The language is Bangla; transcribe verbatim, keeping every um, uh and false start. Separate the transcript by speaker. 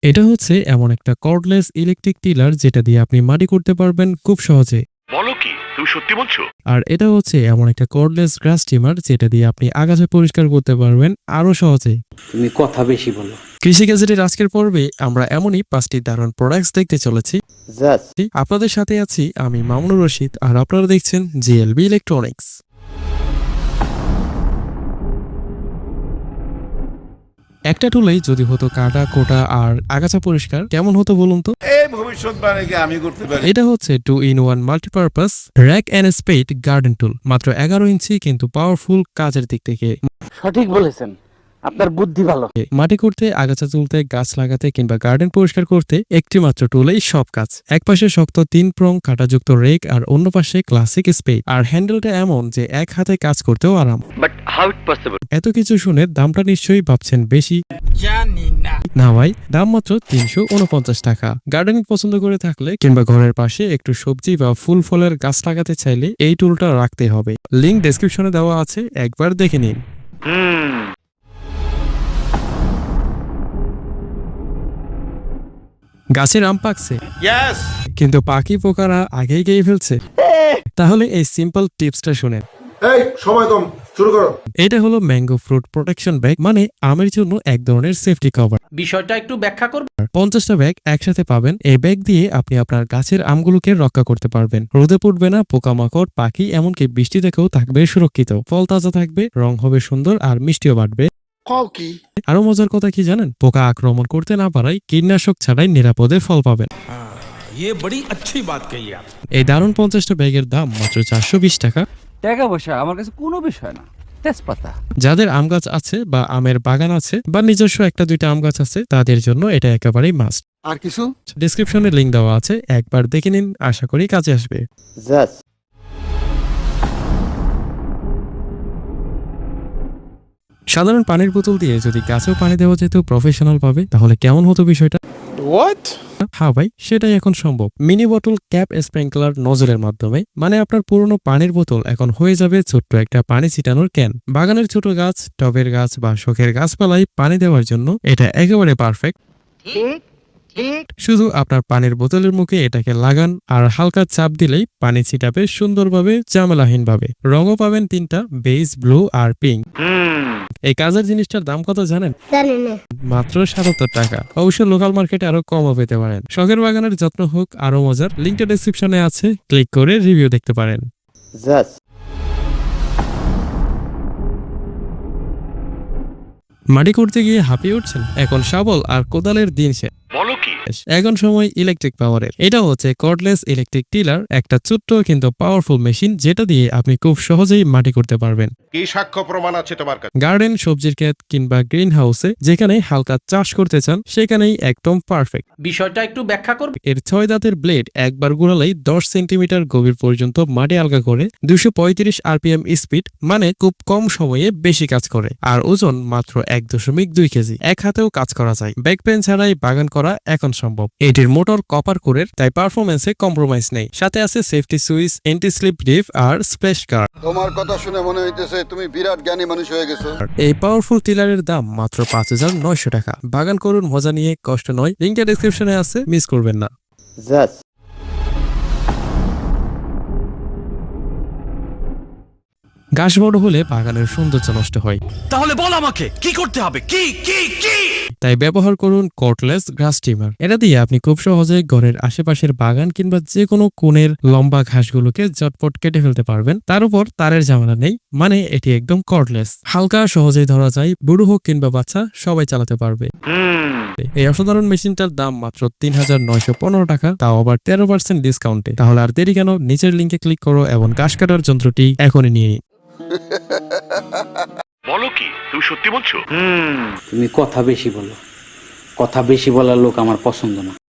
Speaker 1: এটা হচ্ছে এমন একটা কর্ডলেস ইলেকট্রিক টিলার যেটা দিয়ে আপনি মাটি করতে পারবেন খুব সহজে।
Speaker 2: বলো কি তুমি সত্যি বলছো?
Speaker 1: আর এটা হচ্ছে এমন একটা কর্ডলেস গ্রাস ট্রিমার যেটা দিয়ে আপনি আগাছা পরিষ্কার করতে পারবেন আরো সহজে।
Speaker 3: তুমি কথা বেশি বলো।
Speaker 1: কৃষি গ্যাজেটের আজকের পর্বে আমরা এমনই পাঁচটি দারুণ প্রোডাক্টস দেখতে চলেছি।
Speaker 3: জাস্ট
Speaker 1: আপনাদের সাথে আছি আমি মামুনুর রশিদ, আর আপনারা দেখছেন জিএলবি ইলেকট্রনিক্স। একটা টুলেই যদি হতো কাটা কোটা আর আগাছা পরিষ্কার, কেমন হতো বলুন তো?
Speaker 4: এই ভবিষ্যৎবাণী কি আমি করতে পারি?
Speaker 1: এটা হচ্ছে two in one multipurpose rack and spade garden tool. মাত্র এগারো ইঞ্চি কিন্তু পাওয়ারফুল কাজের দিক থেকে।
Speaker 3: সঠিক বলেছেন, আপনার বুদ্ধি ভালো।
Speaker 1: মাটি করতে, আগাছা তুলতে, গাছ লাগাতে কিংবা গার্ডেন পরিষ্কার করতে একটি মাত্র টুলেই সব কাজ। এক পাশে শক্ত তিন প্রং কাঁটাযুক্ত রেক আর অন্য পাশে ক্লাসিক স্পেড। আর হ্যান্ডেলটা এমন যে এক হাতে কাজ করতেও আরাম।
Speaker 2: But how it possible?
Speaker 1: এত কিছু শুনে দামটা নিশ্চয়ই ভাবছেন বেশি।
Speaker 5: জানি না
Speaker 1: না ভাই, দাম মাত্র তিনশো উনপঞ্চাশ টাকা। গার্ডেনিং পছন্দ করে থাকলে কিংবা ঘরের পাশে একটু সবজি বা ফুল ফলের গাছ লাগাতে চাইলে এই টুলটা রাখতে হবে। লিংক ডেসক্রিপশনে দেওয়া আছে, একবার দেখে নিন।
Speaker 2: হুম
Speaker 1: গাছের আম পাকছে
Speaker 4: ইয়েস।
Speaker 1: কিন্তু পাখি পোকারা আগেই গিয়ে ফেলছে। তাহলে এই সিম্পল টিপসটা শুনেন।
Speaker 4: এই সময় কম, শুরু করো।
Speaker 1: এটা হলো ম্যাঙ্গো ফ্রুট প্রোটেকশন ব্যাগ, মানে আমের জন্য এক ধরনের সেফটি কভার।
Speaker 5: বিষয়টা একটু ব্যাখ্যা করব।
Speaker 1: পঞ্চাশটা ব্যাগ একসাথে পাবেন। এই ব্যাগ দিয়ে আপনি আপনার গাছের আমগুলোকে রক্ষা করতে পারবেন। রোদে পড়বে না, পোকামাকড়, পাখি এমনকি বৃষ্টি থেকেও থাকবে সুরক্ষিত। ফল তাজা থাকবে, রং হবে সুন্দর আর মিষ্টিও বাড়বে।
Speaker 4: কও কি?
Speaker 1: আরো মজার কথা কি জানেন? পোকা আক্রমণ করতে না পারায় কীটনাশক ছাড়াই নিরাপদে ফল পাবেন।
Speaker 5: ये बड़ी अच्छी बात कही आप।
Speaker 1: এই দারুণ পঞ্চাশটা ব্যাগের দাম মাত্র চারশো বিশ টাকা।
Speaker 3: টাকা পয়সা আমার কাছে কোনো বিষয় না, তেজপাতা।
Speaker 1: যাদের আম গাছ আছে বা আমের বাগান আছে বা নিজস্ব একটা দুইটা আম গাছ আছে, তাদের জন্য এটা একেবারেই মাস্ট।
Speaker 4: আর কিছু?
Speaker 1: ডেসক্রিপশনে লিংক দেওয়া আছে, একবার দেখে নিন, আশা করি কাজে আসবে।
Speaker 3: জাস্ট
Speaker 1: সাধারণ পানির বোতল দিয়ে যদি গাছেও পানি দেওয়া যেত প্রফেশনাল ভাবে, তাহলে কেমন হতো বিষয়টা?
Speaker 4: হোয়াট?
Speaker 1: হ্যাঁ ভাই, সেটাই এখন সম্ভব। মিনি বোতল ক্যাপ স্প্রিংকলার নজরের মাধ্যমে, মানে আপনার পুরনো পানির বোতল এখন হয়ে যাবে ছোট্ট একটা পানি ছিটানোর ক্যান। বাগানের ছোট গাছ, টবের গাছ বা শখের গাছপালায় পানি দেওয়ার জন্য এটা একেবারে পারফেক্ট। শুধু আপনার পানির বোতলের মুখে এটাকে লাগান আর হালকা চাপ দিলেই পানি ছিটাবে সুন্দরভাবে, ঝামেলাহীন ভাবে। রঙও পাবেন তিনটা, বেজ, ব্লু আর পিঙ্ক। এই কাজের জিনিসটার দাম কত জানেন? মাত্র সাতাত্তর টাকা। অবশ্য লোকাল মার্কেটে আরো কমও পেতে পারেন। শখের বাগানের যত্ন হোক আরো মজার, লিঙ্কটা ডেসক্রিপশনে আছে, ক্লিক করে রিভিউ দেখতে পারেন।
Speaker 3: জাস্ট
Speaker 1: মাটি করতে গিয়ে হাঁপিয়ে উঠছেন? এখন শাবল আর কোদালের দিন শেষ।
Speaker 2: বলো কি?
Speaker 1: এখন সময় ইলেকট্রিক পাওয়ারের। এটা হচ্ছে কর্ডলেস ইলেকট্রিক টিলার, একটা ছোট্ট কিন্তু পাওয়ারফুল মেশিন যেটা দিয়ে আপনি খুব সহজেই মাটি করতে পারবেন।
Speaker 4: কি সাক্ষ্য প্রমাণ আছে তোমার কাছে?
Speaker 1: গার্ডেন, সবজির ক্ষেত কিংবা গ্রিন হাউসে যেখানে হালকা চাষ করতে চান সেখানেই একদম পারফেক্ট।
Speaker 5: বিষয়টা একটু ব্যাখ্যা করব।
Speaker 1: এর ছয় দাঁতের ব্লেড একবার ঘোরালেই দশ সেন্টিমিটার গভীর পর্যন্ত মাটি আলগা করে। দুশো পঁয়ত্রিশ আরপিএম স্পিড, মানে খুব কম সময়ে বেশি কাজ করে। আর ওজন মাত্র এক দশমিক দুই কেজি। এক হাতেও কাজ করা যায়। ব্যাক পেন ছাড়াই বাগান করা এখন সম্ভব। এটির মোটর কপার কোরের, তাই পারফরমেন্সে কম্প্রোমাইজ নেই। সাথে আছে safety switch, anti slip dip আর স্প্ল্যাশ গার্ড।
Speaker 6: তোমার কথা শুনে মনে হইতেছে তুমি বিরাট জ্ঞানী মানুষ হয়ে গেছো।
Speaker 1: এই পাওয়ারফুল টিলারের দাম মাত্র পাঁচ হাজার নয়শো টাকা। বাগান করুন মজা নিয়ে, কষ্ট নয়। লিঙ্কটা ডেসক্রিপশনে আছে, মিস করবেন না।
Speaker 3: জাস্ট
Speaker 1: গাছ বড় হলে বাগানের সৌন্দর্য নষ্ট হয়,
Speaker 5: তাহলে বল আমাকে কি করতে হবে? কি কি কি?
Speaker 1: তাই ব্যবহার করুন কর্ডলেস গ্রাস ট্রিমার। এটা দিয়ে আপনি খুব সহজে ঘরের আশেপাশের বাগান কিংবা যে কোনো কোণের লম্বা ঘাসগুলোকে ঝটপট কেটে ফেলতে পারবেন। তার উপর তারের ঝামেলা নেই, মানে এটি একদম কর্ডলেস। হালকা, সহজেই ধরা যায়, বুড়ো হোক কিংবা বাচ্চা সবাই চালাতে পারবে। এই অসাধারণ মেশিনটার দাম মাত্র তিন হাজার নয়শো পনেরো টাকা, তাও আবার তেরো পার্সেন্ট ডিসকাউন্টে। তাহলে আর দেরি কেন, নিচের লিঙ্কে ক্লিক করো এবং ঘাস কাটার যন্ত্রটি এখনই নিয়ে নিন।
Speaker 2: বলো কি তুমি সত্যি বলছো?
Speaker 3: তুমি কথা বেশি বলো। কথা বেশি বলার লোক আমার পছন্দ না।